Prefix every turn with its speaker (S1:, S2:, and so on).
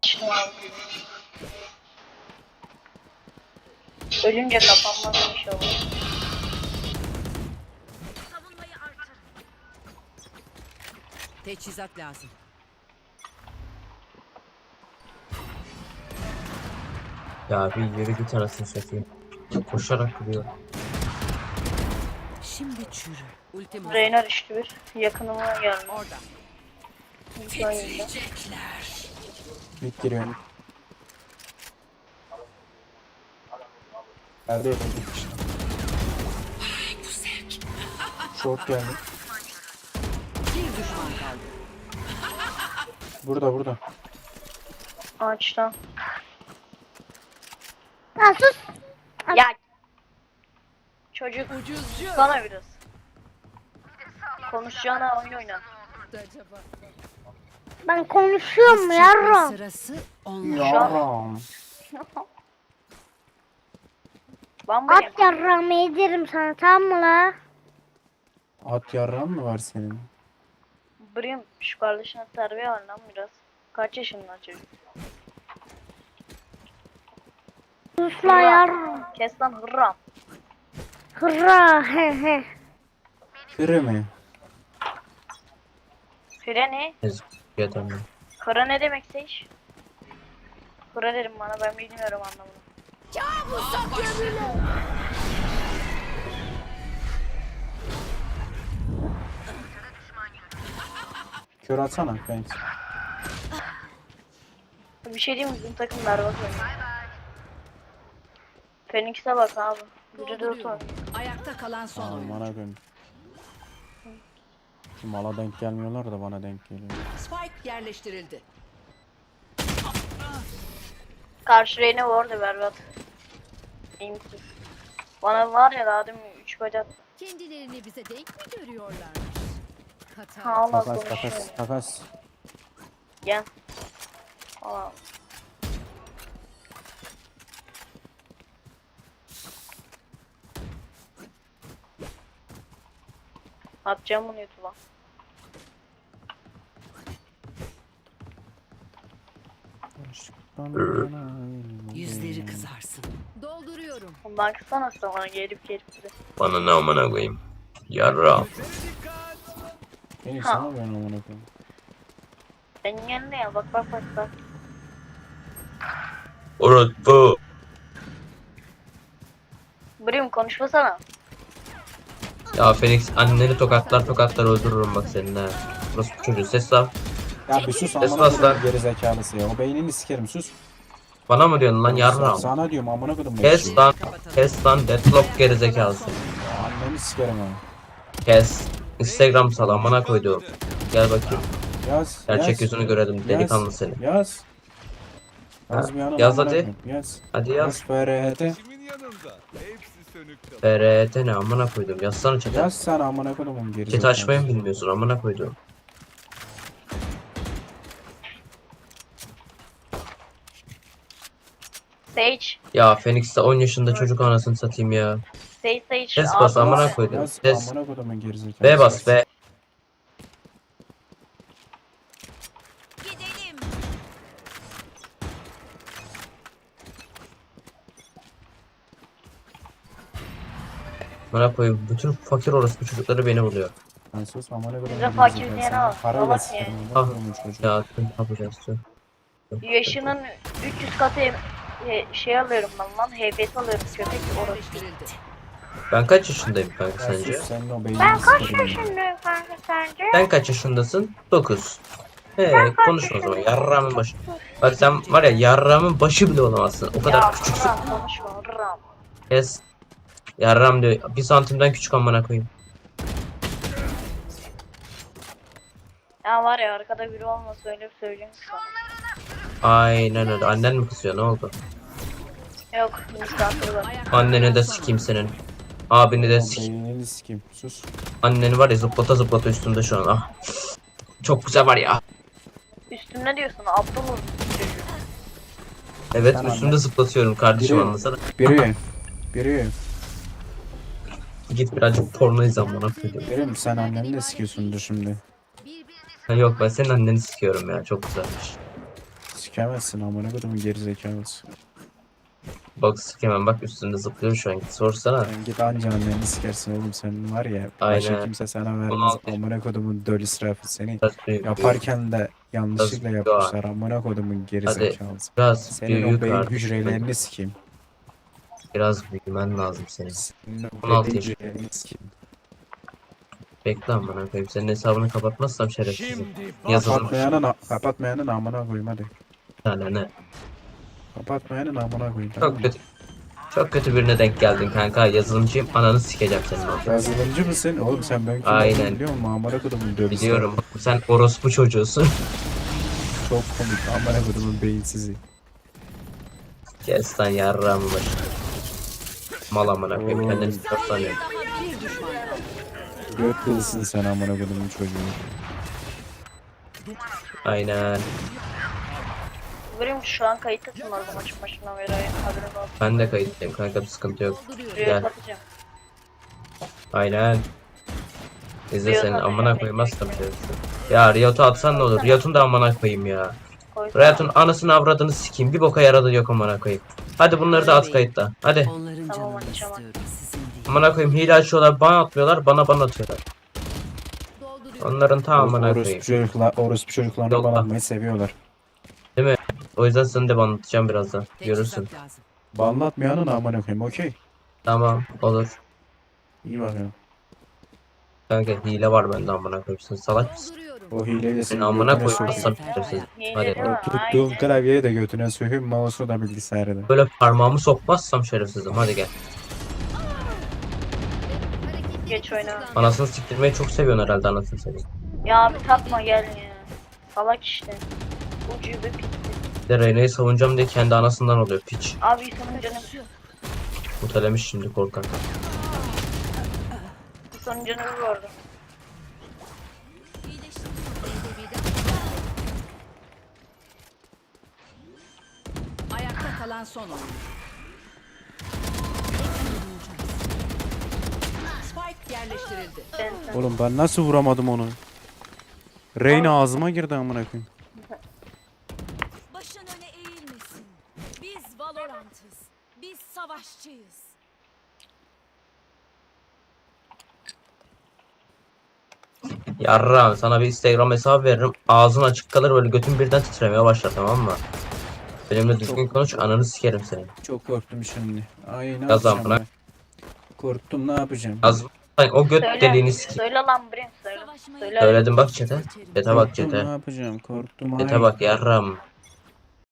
S1: Yetiştim abi. Ölünce kapanmaz inşallah.
S2: Teçhizat lazım.
S3: Ya bir yürü git anasını satayım. Koşarak gidiyor.
S2: Şimdi çürü. Ultim hazır.
S1: Reyna düştü bir. Yakınıma geldi.
S2: Orada.
S1: Titriyecekler.
S4: Mid giriyorum. Nerede yedim işte. Short geldi.
S2: Bir düşman kaldı.
S4: Burada.
S1: Ağaçtan.
S5: Ya sus.
S1: Ya. Çocuk
S2: Ucuzcu.
S1: sana biraz. Konuşacağına oyun oyna.
S2: Acaba.
S5: Ben konuşuyorum yarram.
S2: Sırası onlar.
S4: Yaram.
S1: Bambayım.
S5: At yarramı yedirim sana, tamam mı la?
S4: At yarran mı var senin?
S1: Brim şu kardeşine terbiye var lan biraz. Kaç yaşında çocuk?
S5: Sus la yarram.
S1: Kes lan hırram.
S5: Hırra he he.
S4: Biri mi?
S1: Fire ne?
S3: Yeter.
S1: Kıra ne demekse iş? Kıra derim bana, ben bilmiyorum anlamını.
S4: Kör atsana kanka.
S1: Bir şey diyeyim mi? Bizim takım berbat oynuyor. Phoenix'e bak abi. Biri 4 oynuyor.
S2: Ayakta kalan son
S4: Aa,
S2: oyun.
S4: bana dön. Şu mala denk gelmiyorlar da bana denk geliyor.
S2: Spike yerleştirildi.
S1: Karşı reyne var da berbat. İyimsiz. Bana var ya daha demin 3 bacak.
S2: Kendilerini bize denk mi görüyorlar? Hata.
S1: Ha Allah
S4: Takas
S1: konuşuyor.
S4: takas.
S1: Gel. Aa. Atacağım bunu YouTube'a.
S2: Yüzleri kızarsın. Dolduruyorum.
S1: Baksana sana gelip bize.
S3: Bana ne amına koyayım. Yarra.
S4: Beni
S1: Ha.
S4: sana ben amına koyayım.
S1: Senin yanında ya, bak.
S3: Orospu.
S1: Brim konuşmasana.
S3: Ya Phoenix anneni tokatlar öldürürüm bak seninle. Orospu çocuğu ses al.
S4: Ya bir sus
S3: Ses
S4: amına
S3: bas lan.
S4: koyayım gerizekalısı ya. O beynini sikerim sus.
S3: Bana mı diyorsun lan yarra?
S4: Sana diyorum amına koydum.
S3: Kes lan. Kes lan deadlock gerizekalısı.
S4: Anneni sikerim ha.
S3: Kes. Instagram sal amına koyduğum. Gel bakayım.
S4: Yaz.
S3: Gerçek yüzünü görelim delikanlı seni.
S4: Yaz. Yaz bir yanım.
S3: Yaz
S4: amına
S3: hadi.
S4: koyayım, Yaz.
S3: Hadi yaz.
S4: FRT.
S6: Kimin yanında? Hepsi sönük kalır.
S3: FRT ne amına koydum. Yazsana chat'e.
S4: Yaz sen amına koydum gerizekalısı.
S3: Chat açmayı mı bilmiyorsun amına koydum.
S1: Sage.
S3: Ya Phoenix'te 10 yaşında çocuk anasını satayım ya.
S1: Sage.
S3: Ses bas
S1: Ağzına-
S3: amına koydum.
S4: Yaz
S3: Ses.
S4: amına koydum gerizekalısı.
S3: B bas B. Amına koyayım. Bütün fakir orospu çocukları beni buluyor.
S4: Ben sus amına koydum.
S1: Bize fakir diyene bak.
S4: Parayla
S1: Bak
S4: sikerim.
S1: ya.
S4: amına koydum çocuğu.
S3: Ya ne yapacağız?
S1: Yaşının 300 katı şey alıyorum ben lan. HPS alıyorum köpek orası.
S2: Yerleştirildi.
S3: Ben kaç yaşındayım kanka
S4: Ya
S3: sence?
S4: sus senin o beynini
S5: Ben kaç
S4: sikerim.
S5: yaşındayım kanka sence?
S3: Sen kaç yaşındasın? 9. Konuşma o zaman. Yarramın başı. Bak sen var ya yarramın başı bile olamazsın. O kadar
S1: Ya
S3: küçüksün.
S1: Ram konuşma Ram.
S3: Kes. Yarram diyor. 1 santimden küçük amına koyayım.
S1: Ya var ya arkada biri olmasa öyle bir söyleyeyim sana.
S3: Aynen öyle. Annen mi kızıyor? Ne oldu?
S1: Yok misafir var.
S2: Ayakta
S3: Anneni
S2: kalan
S3: de
S2: son
S3: sikeyim senin. Abini de
S4: O
S3: sikeyim.
S4: beynini sikeyim. Sus.
S3: Anneni var ya zıplata üstünde şu an. Ah. Çok güzel var ya.
S1: Üstümde diyorsun Abdullah çocuğu.
S3: Evet
S4: Tamam,
S3: üstümde
S4: ben-
S3: zıplatıyorum kardeşim
S4: Biri-
S3: anlasana.
S4: Biri.
S3: Git birazcık porno izle amına koyayım.
S4: Biri sen anneni de sikiyorsundur şimdi.
S3: Ha, yok ben senin anneni sikiyorum ya çok güzelmiş.
S4: sikemezsin amına kodumun gerizekalısı.
S3: Bak sikemem bak üstünde zıplıyor şu an. Sorsana.
S4: Sen git anca anneni sikersin oğlum sen var ya.
S3: Aynen.
S4: Başka kimse sana vermez
S3: 16.
S4: amına kodumun döl israfı seni.
S3: Biraz büyük.
S4: Yaparken de yanlışlıkla
S3: Biraz
S4: yapmışlar amına kodumun gerizekalısı.
S3: Biraz
S4: Senin o
S3: büyük
S4: beyin
S3: artık.
S4: hücrelerini sikeyim.
S3: Biraz büyümen lazım senin.
S4: Senin o
S3: 16
S4: beyin
S3: yaş.
S4: hücrelerini sikeyim.
S3: Bekle amına koyayım. Senin hesabını kapatmazsam şerefsizim. Yazılım
S4: Kapatmayanın amına koyayım hadi.
S3: bir tane ne?
S4: Kapatmayanın amına koyayım. tamam
S3: Çok
S4: mı?
S3: kötü. Çok kötü birine denk geldin kanka. Yazılımcıyım. Ananı sikeceğim senin orada.
S4: Yazılımcı mısın? Oğlum sen ben kim
S3: Aynen.
S4: olduğumu biliyor musun? Amına kodumun döl
S3: Biliyorum. Sen orospu çocuğusun.
S4: Çok komik amına kodumun beyinsizi.
S3: Kes lan yarrağımı başına. Mal amına koyayım. Kendini sanıyorum.
S2: Bir düşman kaldı.
S4: Göt kılsın sen amına kodumun çocuğu.
S3: Aynen.
S1: Görüyor musun şu an kayıttasın orada maçın başından beri haberin olsun.
S3: Ben de kayıttayım kanka, bir sıkıntı yok.
S2: Dolduruyorum.
S1: Rüya
S3: Gel.
S1: satacağım.
S3: Aynen. İzle
S1: Riot
S3: senin
S1: atacağım,
S3: amına
S1: bekle,
S3: koymazsam
S1: bekle.
S3: şerefsiz. Ya Riot'u atsan ne olur? Riot'un da amına koyayım ya.
S1: Koysana.
S3: Riot'un anasını avradını sikeyim. Bir boka yaradı yok amına koyayım. Hadi bunları da at kayıtta. Hadi.
S2: Onların
S1: Tamam,
S2: canını
S1: açamam.
S2: istiyorum, sizin değil.
S3: Amına koyayım, hile açıyorlar, bana atmıyorlar, bana atıyorlar.
S2: Dolduruyorum.
S3: Onların tamamına koyayım.
S4: Orospu çocuklarını
S3: Yolla.
S4: banlatmayı seviyorlar.
S3: O yüzden seni de banlatacağım birazdan. Görürsün.
S2: Teçhizat lazım.
S4: Banlatmayanın amına koyayım okey.
S3: Tamam, olur.
S4: İyi bakıyorum.
S3: Kanka hile var bende amına koyayım. Sen salak mısın?
S2: Dolduruyorum.
S4: O hileyi de
S3: Senin
S4: senin
S3: amına
S4: götüne
S3: koymazsam
S4: sokayım.
S3: şerefsiz.
S1: Yine
S3: Hadi.
S1: değil mi?
S4: Tuttuğun
S1: Aynen.
S4: klavyeyi de götüne sokayım, mouse'u da bilgisayarı da.
S3: Böyle parmağımı sokmazsam şerefsizim. Hadi gel.
S1: Geç oyna.
S3: Anasını siktirmeyi çok seviyorsun herhalde, anasını seveyim.
S1: Ya abi takma gel ya. Salak işte. Ucube pitti.
S3: Bir de Reyna'yı savunacağım diye kendi anasından oluyor piç.
S1: Abi sonun canı.
S3: Mutelemiş şimdi korkak.
S1: Sonun canı vurdu.
S2: Ayakta kalan son oyun. Spike yerleştirildi.
S1: Sen.
S4: Oğlum ben nasıl vuramadım onu? Reyna ağzıma girdi amına koyayım.
S7: Başın öne eğilmesin. Biz Valorant'ız. Biz savaşçıyız.
S3: Yarram, sana bir Instagram hesabı veririm. Ağzın açık kalır, böyle götün birden titremeye başlar, tamam mı? Benimle düzgün konuş, ananı sikerim senin.
S4: Çok korktum şimdi. Ay ne
S3: Yaz lan
S4: yapacağım
S3: buna.
S4: ben? Korktum ne yapacağım?
S3: Az o göt deliğini
S1: Söyle.
S3: sikeyim.
S1: Söyle lan Brim söyle.
S7: Savaşmayı
S1: Söyle.
S3: Söyledim bak çete. Çete bak
S4: Korktum,
S3: çete.
S4: ne yapacağım? Korktum.
S3: Çete
S4: ay.
S3: bak yarram.